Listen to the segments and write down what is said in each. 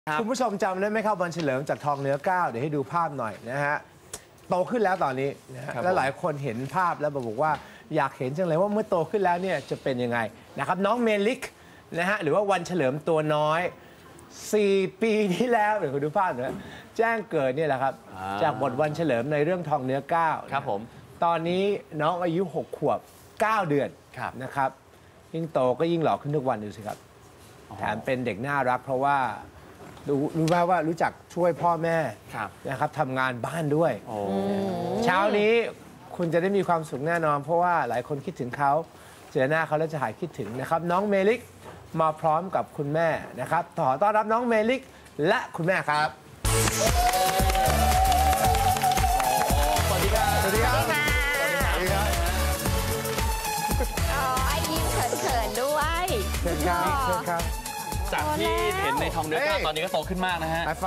คุณผู้ชมจำได้ไหมครับวันเฉลิมจากทองเนื้อก้าวเดี๋ยวให้ดูภาพหน่อยนะฮะโตขึ้นแล้วตอนนี้นะฮะและหลายคนเห็นภาพแล้วบอกว่าอยากเห็นจังเลยว่าเมื่อโตขึ้นแล้วเนี่ยจะเป็นยังไงนะครับน้องเมลิกนะฮะหรือว่าวันเฉลิมตัวน้อย4 ปีที่แล้วเดี๋ยวคุณดูภาพนะแจ้งเกิดเนี่ยแหละครับจากบทวันเฉลิมในเรื่องทองเนื้อก้าวครับผมตอนนี้น้องอายุ6 ขวบ 9 เดือนนะครับยิ่งโตก็ยิ่งหล่อขึ้นทุกวันดูสิครับแถมเป็นเด็กน่ารักเพราะว่ารู้ไหมว่ารู้จักช่วยพ่อแม่นะครับทำงานบ้านด้วยเช้านี้คุณจะได้มีความสุขแน่นอนเพราะว่าหลายคนคิดถึงเขาเจอหน้าเขาแล้วจะหายคิดถึงนะครับน้องเมลิกมาพร้อมกับคุณแม่นะครับขอต้อนรับน้องเมลิกและคุณแม่ครับสวัสดีครับสวัสดีครับไอ้ยิ้มเขินๆด้วยเชิญครับเชิญครับจากที่เห็นในทองเนื้อก้าวตอนนี้ก็โตขึ้นมากนะฮะไฮไฟ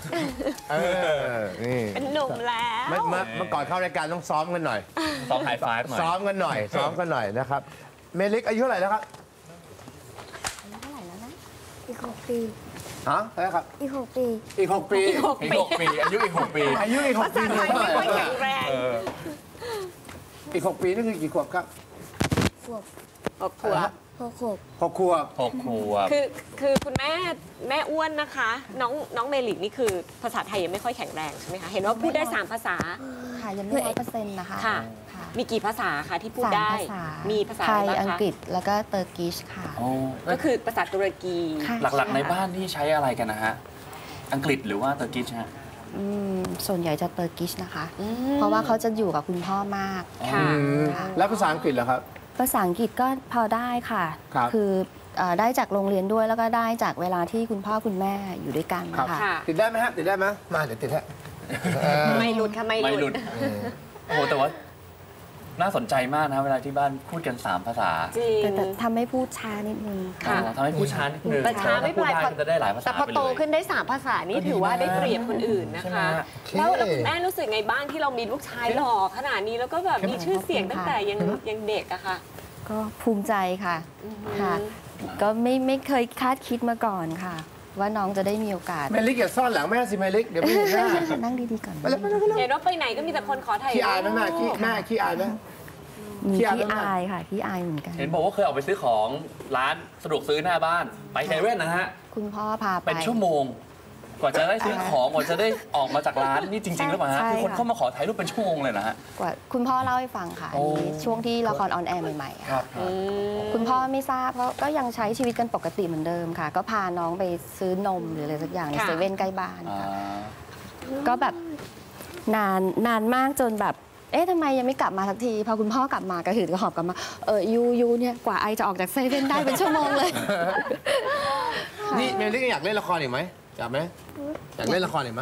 นี่เป็นหนุ่มแล้วเมื่อก่อนเข้ารายการต้องซ้อมกันหน่อยซ้อมไฮไฟฟ์หน่อยซ้อมกันหน่อยนะครับเมลิกอายุเท่าไหร่แล้วครับเท่าไหร่แล้วนะอีก6 ปีฮะอะไรครับอีก6 ปีอีก6 ปีอายุอีก6 ปีอายุอีก6 ปีไม่ค่อยแข็งแรงอีก6 ปีนี่คือกี่ขวบครับ 6 ขวบ 6 ขวบคือคุณแม่อ้วนนะคะน้องเมลิกนี่คือภาษาไทยยังไม่ค่อยแข็งแรงใช่ไหมคะเห็นว่าพูดได้3 ภาษาค่ะยังไม่100%นะคะค่ะมีกี่ภาษาคะที่พูดได้มีภาษาไทยอังกฤษแล้วก็เตอร์กิชค่ะก็คือภาษาตุรกีหลักๆในบ้านที่ใช้อะไรกันนะฮะอังกฤษหรือว่าเตอร์กิชฮะส่วนใหญ่จะเตอร์กิชนะคะเพราะว่าเขาจะอยู่กับคุณพ่อมากค่ะแล้วภาษาอังกฤษเหรอครับภาษาอังกฤษก็พอได้ค่ะคือได้จากโรงเรียนด้วยแล้วก็ได้จากเวลาที่คุณพ่อคุณแม่อยู่ด้วยกันนะคะติดได้ไหมฮะติดได้ไหมมาเดี๋ยวติดฮะไม่หลุดค่ะไม่หลุดโอ้โหแต่ว่าน่าสนใจมากนะเวลาที่บ้านพูดกัน3 ภาษาแต่ทำให้พูดช้านิดนึงค่ะทำให้พูดช้านิดนึงแต่ช้าไม่เป็นไรจะได้หลายภาษาแต่พอโตขึ้นได้3 ภาษานี่ถือว่าได้เปรียบคนอื่นนะคะแล้วคุณแม่รู้สึกไงบ้างที่เรามีลูกชายหล่อขนาดนี้แล้วก็แบบมีชื่อเสียงตั้งแต่ยังเด็กอะค่ะก็ภูมิใจค่ะก็ไม่เคยคาดคิดมาก่อนค่ะว่าน้องจะได้มีโอกาสเมลิกอย่าซ่อนหลังแม่สิเมลิกเดี๋ยวไม่เห็นหน้านั่งดีๆก่อนเห็นว่าไปไหนก็มีแต่คนขอถ่ายรูปขี้อายไหมแม่ขี้อายไหมมีขี้อายค่ะขี้อายเหมือนกันเห็นบอกว่าเคยออกไปซื้อของร้านสะดวกซื้อหน้าบ้านไปเซเว่นนะฮะคุณพ่อพาไปเป็นชั่วโมงกว่าจะได้ซื้อของกว่าจะได้ออกมาจากร้านนี่จริงๆหรือเปล่าฮะคือคนเข้ามาขอถ่ายรูปเป็นชั่วโมงเลยนะฮะกว่าคุณพ่อเล่าให้ฟังค่ะช่วงที่ละครออนแอร์ใหม่ๆค่ะคุณพ่อไม่ทราบเพราะก็ยังใช้ชีวิตกันปกติเหมือนเดิมค่ะก็พาน้องไปซื้อนมหรืออะไรสักอย่างในเซเว่นใกล้บ้านค่ะก็แบบนานมากจนแบบทำไมยังไม่กลับมาสักทีพอคุณพ่อกลับมาก็ถือกระหอบกลับมายูเนี่ยกว่าไอจะออกจากเซเว่นได้เป็นชั่วโมงเลยนี่เมลิกอยากเล่นละครอีกไหมอยากไหมอยากเล่นละครอีกไหม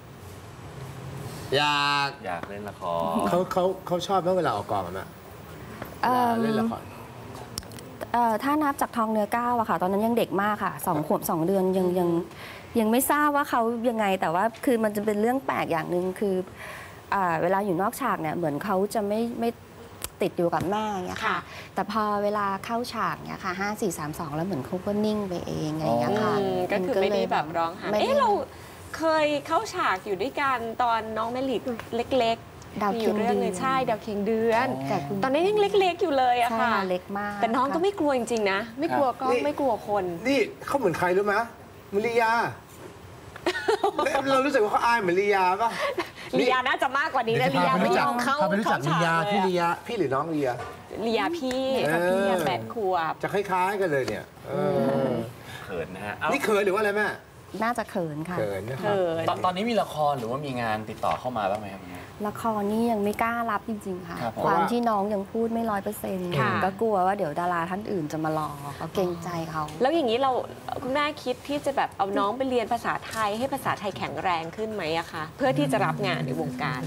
อยากเล่นละครเขาชอบไหมเวลาออกกองอ่ะเล่นละครถ้านับจากทองเนื้อก้าวอะค่ะตอนนั้นยังเด็กมากค่ะ2 ขวบ 2 เดือนยังไม่ทราบว่าเขายังไงแต่ว่าคือมันจะเป็นเรื่องแปลกอย่างหนึ่งคือเวลาอยู่นอกฉากเนี่ยเหมือนเขาจะไม่ติดอยู่กับแม่เนี่ยค่ะแต่พอเวลาเข้าฉากเนี่ยค่ะ5 4 3 2แล้วเหมือนเขาก็นิ่งไปเองอะไรอย่างเงี้ยค่ะก็คือไม่ได้แบบร้องหาเราเคยเข้าฉากอยู่ด้วยกันตอนน้องเมลิกเล็กดาวเคียงเดือนใช่ดาวเคียงเดือนตอนนี้ยังเล็กๆอยู่เลยอะค่ะเล็กมากแต่น้องก็ไม่กลัวจริงๆนะไม่กลัวก็ไม่กลัวคนนี่เขาเหมือนใครรู้ไหมมลียาเรารู้สึกว่าเขาอายเหมือนลียาป่ะลียาน่าจะมากกว่านี้นะลียาไม่ยอมเข้าไปรู้จักลียาพี่หรือน้องลียาพี่8 ขวบจะคล้ายๆกันเลยเนี่ยเขินนะฮะนี่เขินหรือว่าอะไรแม่น่าจะเขินค่ะเขินตอนนี้มีละครหรือว่ามีงานติดต่อเข้ามาบ้างไหมครับละครนี่ยังไม่กล้ารับจริงๆค่ะความที่น้องยังพูดไม่100%ก็กลัวว่าเดี๋ยวดาราท่านอื่นจะมารอเขาเกรงใจเขาแล้วอย่างนี้คุณแม่คิดที่จะแบบเอาน้องไปเรียนภาษาไทยให้ภาษาไทยแข็งแรงขึ้นไหมอะคะเพื่อที่จะรับงานในวงการ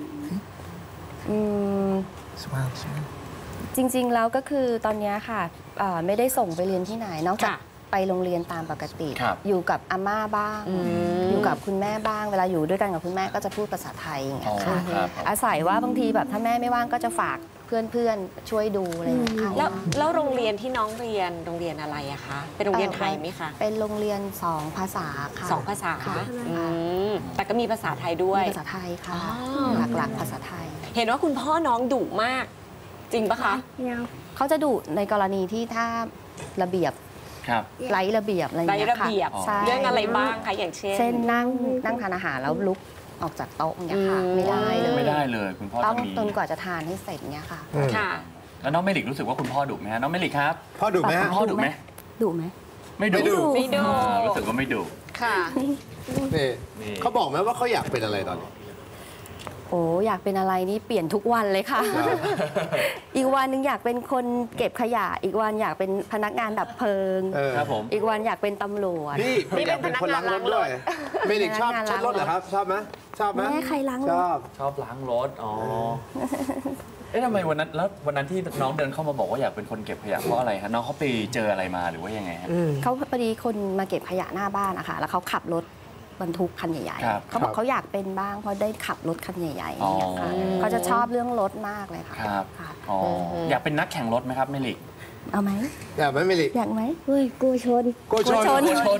จริงๆแล้วก็คือตอนนี้ค่ะไม่ได้ส่งไปเรียนที่ไหนนอกจากไปโรงเรียนตามปกติอยู่กับอาม่าบ้างอยู่กับคุณแม่บ้างเวลาอยู่ด้วยกันกับคุณแม่ก็จะพูดภาษาไทยอย่างเงี้ยค่ะอาศัยว่าบางทีแบบถ้าแม่ไม่ว่างก็จะฝากพื่อนๆช่วยดูอะไรอย่างเงี้ยค่ะแล้วโรงเรียนที่น้องเรียนโรงเรียนอะไรอะคะเป็นโรงเรียนไทยไหมคะเป็นโรงเรียน2 ภาษาค่ะ 2 ภาษาค่ะแต่ก็มีภาษาไทยด้วยมีภาษาไทยค่ะอ๋อหลักๆภาษาไทยเห็นว่าคุณพ่อน้องดุมาก จริงปะคะเขาจะดุในกรณีที่ถ้าระเบียบครับไร้ระเบียบอะไรอย่างไร้เงี้ยระค่ะเบียบใช่เรื่องอะไรบ้างคะอย่างเช่นเช่นนั่งทานอาหารแล้วลุกออกจากโต๊ะเนี่ยค่ะอืมไม่ได้เลยไม่ได้เลยคุณพ่อต้องจะมีจนกว่าจะทานให้เสร็จเนี่ยค่ะค่ะแล้วน้องเมลิกรู้สึกว่าคุณพ่อดุไหมฮะน้องเมลิกครับพ่อดุไหมฮะคุณพ่อดุไหมดุไหมไม่ดุไม่ดุรู้สึกว่าไม่ดุค่ะนี่นี่เขาบอกไหมว่าเขาอยากเป็นอะไรตอนนี้โอ้อยากเป็นอะไรนี่เปลี่ยนทุกวันเลยค่ะ อีกวันหนึงอยากเป็นคนเก็บขยะ อีกวันอยากเป็นพนักงานดับเพลิงครับผมอีกวันอยากเป็นตำรวจนี่ไม่อยากเป็นคนล้างรถด้วยเมลิกชอบรถเหรอครับ ชอบไหมชอบไหมแม่ใครล้างรถชอบชอบล้างรถ อ๋อ เอ๊ะทำไมวันนั้นที่น้องเดินเข้ามาบอกว่าอยากเป็นคนเก็บขยะเพราะอะไรฮะน้องเขาไปเจออะไรมาหรือว่ายังไงฮะเขาพอดีคนมาเก็บขยะหน้าบ้านนะคะแล้วเขาขับรถบรรทุกคันใหญ่ครับๆเขาบอกเขาอยากเป็นบ้างเพราะได้ขับรถคันใหญ่ๆอย่างเงี้ยค่ะอ๋อเขาจะชอบเรื่องรถมากเลยค่ะครับค่ะอ๋ออยากเป็นนักแข่งรถไหมครับเมลิกเอาไหมอยากไหมเมลิกอยากไหมเฮ้ยกูชนโกชนชนชน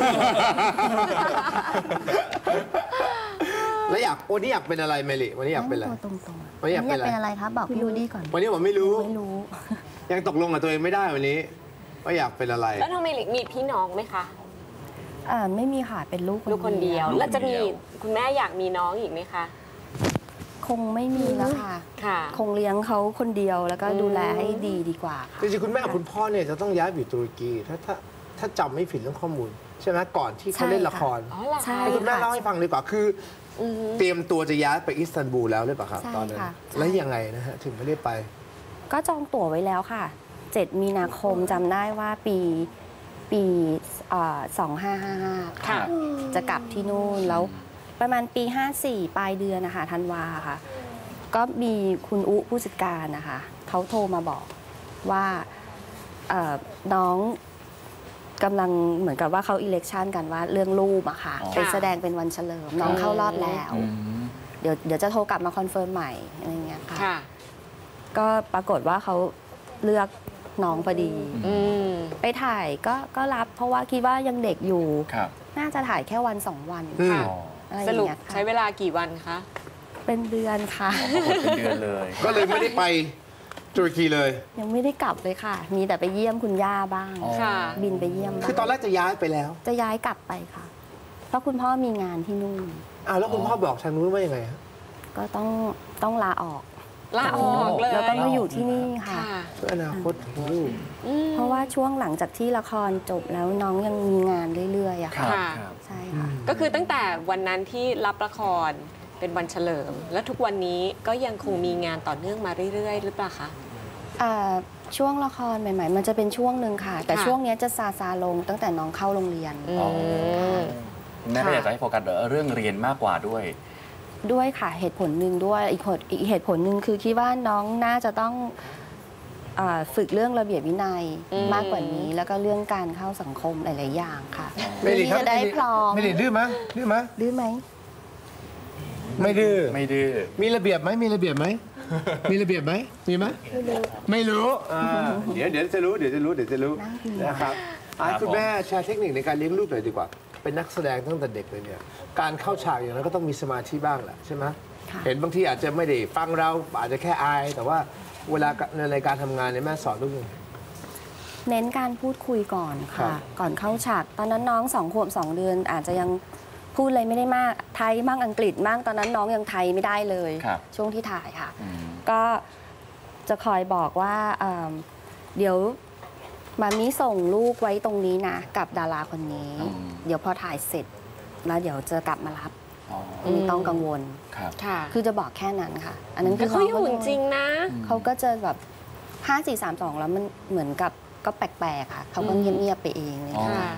แล้ววันนี้อยากเป็นอะไรเมลิวันนี้อยากเป็นอะไรตัวตรงๆวันนี้อยากเป็นอะไรเป็นอะไรครับบอกพี่รูดี้ก่อนวันนี้ผมไม่รู้ไม่รู้ยังตกลงกับตัวเองไม่ได้วันนี้ว่าอยากเป็นอะไรแล้วน้องเมลิกมีพี่น้องไหมคะไม่มีค่ะเป็นลูกลูกคนเดียวลูกคนเดียวแล้วจะมีคุณแม่อยากมีน้องอีกไหมคะคงไม่มีแล้วค่ะค่ะคงเลี้ยงเขาคนเดียวแล้วก็ดูแลให้ดีกว่าค่ะจริงๆคุณแม่กับคุณพ่อเนี่ยจะต้องย้ายไปอยู่ตุรกีถ้าจำไม่ผิดเรื่องข้อมูล ใช่ไหมก่อนที่เขาเล่นละครอ๋อเหรอใช่คะให้คุณแม่เล่าให้ฟังดีกว่าคืออเตรียมตัวจะย้ายไปอิสตันบูลแล้วหรือเปล่าครับใช่ตอนนั้นค่ะแล้วยังไงนะฮะถึงไม่ได้ไปก็จองตั๋วไว้แล้วค่ะ 7 มีนาคมจำได้ว่าปี2555 ค่ะจะกลับที่นู่นแล้วประมาณปี 54 ปลายเดือนนะคะธันวาค่ะ ก็มีคุณอุผู้จัดการนะคะเขาโทรมาบอกว่าน้องกำลังเหมือนกับว่าเขาอิเล็กชันกันว่าเรื่องรูปอะค่ะอ๋อไปแสดงเป็นวันเฉลิมน้องเข้ารอบแล้วอืมเดี๋ยวจะโทรกลับมาคอนเฟิร์มใหม่อะไรเงี้ยค่ะค่ะก็ปรากฏว่าเขาเลือกน้องพอดีอืมไปถ่ายก็รับเพราะว่าคิดว่ายังเด็กอยู่ครับน่าจะถ่ายแค่วัน 2 วันอืมค่ะอ๋ออะไรอสย่างรุปเงี้ยค่ะใช้เวลากี่วันคะเป็นเดือนค่ะปรากฏเป็นเดือนเลยก็เลยไม่ได้ไปตุรกีเลยยังไม่ได้กลับเลยค่ะ มีแต่ไปเยี่ยมคุณย่าบ้างอ๋อค่ะบินไปเยี่ยมบ้างคือตอนแรกจะย้ายไปแล้วจะย้ายกลับไปค่ะ เพราะคุณพ่อมีงานที่นู่นแล้วคุณพ่อบอกทางนู้นว่ายังไงฮะก็ต้องลาออกลาออกเลยแล้วก็มาอยู่ที่นี่ค่ะค่ะเพื่ออนาคตของลูกอืมเพราะว่าช่วงหลังจากที่ละครจบแล้วน้องยังมีงานเรื่อยๆอะครัค่ะบค่ะครับใช่ค่ะก็คือตั้งแต่วันนั้นที่รับละครเป็นวันเฉลิม แล้วทุกวันนี้ก็ยังคงมีงานต่อเนื่องมาเรื่อยๆ หรือเปล่าคะช่วงละครใหม่ ๆ มันจะเป็นช่วงหนึ่งค่ะ แต่ค่ะช่วงเนี้ยจะซาลงตั้งแต่น้องเข้าโรงเรียนอืมแม่ก็อยากจะให้โฟกัสเรื่องเรียนมากกว่าด้วยด้วยค่ะเหตุผลหนึ่งด้วยอีกเหตุผลหนึ่งคือคิดว่าน้องน่าจะต้องฝึกเรื่องระเบียบวินัยอืมมากกว่านี้ แล้วก็เรื่องการเข้าสังคมหลาย ๆ อย่างค่ะเมลิครับจะได้พร้อมเมลิดื้อไหมดื้อไหมดื้อไหมไม่ดื้อไม่ดื้อมีระเบียบไหมมีระเบียบไหมมีระเบียบไหมมีไหมไม่รู้เดี๋ยวจะรู้นะครับให้คุณแม่แชร์เทคนิคในการเลี้ยงลูกหน่อยดีกว่า เป็นนักแสดงตั้งแต่เด็กเลยเนี่ยการเข้าฉากอย่างนั้นก็ต้องมีสมาธิบ้างแหละใช่ไหมค่ะเห็นบางทีอาจจะไม่ได้ฟังเราอาจจะแค่อาย แต่ว่าเวลาในการทำงานเนี่ยแม่สอนลูกยังไงเน้นการพูดคุยก่อนครัค่ะบก่อนเข้าฉาก ตอนนั้นน้อง2 ขวบ 2 เดือน อาจจะยังพูดอะไรไม่ได้มาก ไทยมั่งอังกฤษมั่งตอนนั้นน้องยังไทยไม่ได้เลยครับช่วงที่ถ่ายค่ะอืมก็จะคอยบอกว่าเดี๋ยวมามิส่งลูกไว้ตรงนี้นะ กับดาราคนนี้ เดี๋ยวพอถ่ายเสร็จ แล้วเดี๋ยวจะกลับมารับอ๋อไม่ต้องกังวลครับค่ะคือจะบอกแค่นั้นค่ะ อันนั้นแต่คือเขาอยู่จริงๆนะเขาก็จะแบบ5 4 3 2 แล้วมันเหมือนกับก็แปลกๆค่ะ เขาก็เงียบๆไปเองเลยอ๋อค่ะ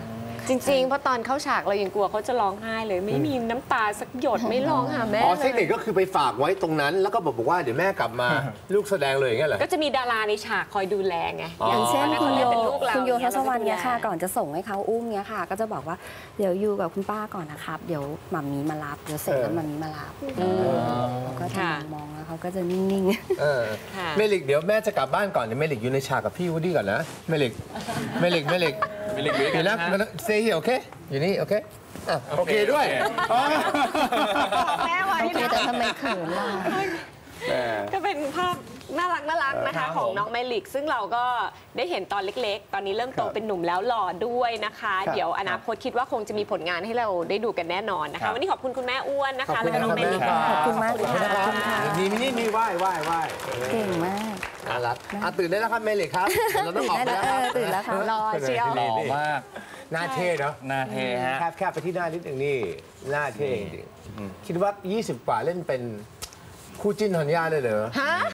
จริงๆเพราะตอนเข้าฉากเรายังกลัวเขาจะร้องไห้เลยไม่มีน้ำตาสักหยดไม่ร้องหาแม่อ๋อเลเทคนิคยก็คือไปฝากไว้ตรงนั้น แล้วก็บอกว่าเดี๋ยวแม่กลับมาลูกแสดงเลยอย่างเงี้ยเหรอก็จะมีดาราในฉากคอยดูแลไงอย่างเช่นตคุณโยเป็นลูกเราคุณโยทศวรรณเนี่เนี่ยค่ะก่อนจะส่งให้เขาอุ้มเนี่ยค่ะ ก็จะบอกว่าเดี๋ยวอยู่กับคุณป้าก่อนนะครับเดี๋ยวหม่ามีมารับเดี๋ยวเสร็จแล้วหม่ามีมารับเขาก็จะมองแล้วเขาก็จะนิ่งๆเออค่ะเมลิกเดี๋ยวแม่จะกลับบ้านก่อนเดี๋ยวเมลิกอยู่ในฉากกับพี่วูดดี้ก่อนนะเมลิกเดี๋ยวนะเซย์โอเคอยู่นี่โอเคอ่ะโอเคด้วยแม่ไว้โอเคนะแต่ทำไมเขินล่ะก็เป็นภาพน่ารักนะคะของน้องเมลิก ซึ่งเราก็ได้เห็นตอนเล็กๆ ตอนนี้เริ่มโตเป็นหนุ่มแล้วหล่อด้วยนะคะ เดี๋ยวอนาคตคิดว่าคงจะมีผลงานให้เราได้ดูกันแน่นอนนะคะ วันนี้ขอบคุณคุณแม่อ้วนนะคะแล้วก็น้องเมลิกขอบคุณมากค่ะมีมินี่มีไหว้เก่งมากน่ารักตื่นได้แล้วครับเมลิกครับเราต้องออกได้ไปแล้วแล้วครับตื่นแล้วค่ะรอเชียวหล่อมากหน้าเท่เนาะหน้าเทฮะแคบไปที่หน้านิดหนึ่งนี่หน้าเท่จริงๆคิดว่า 20 กว่าเล่นเป็นคู่จิ้นธัญญาเลยเหรอฮะ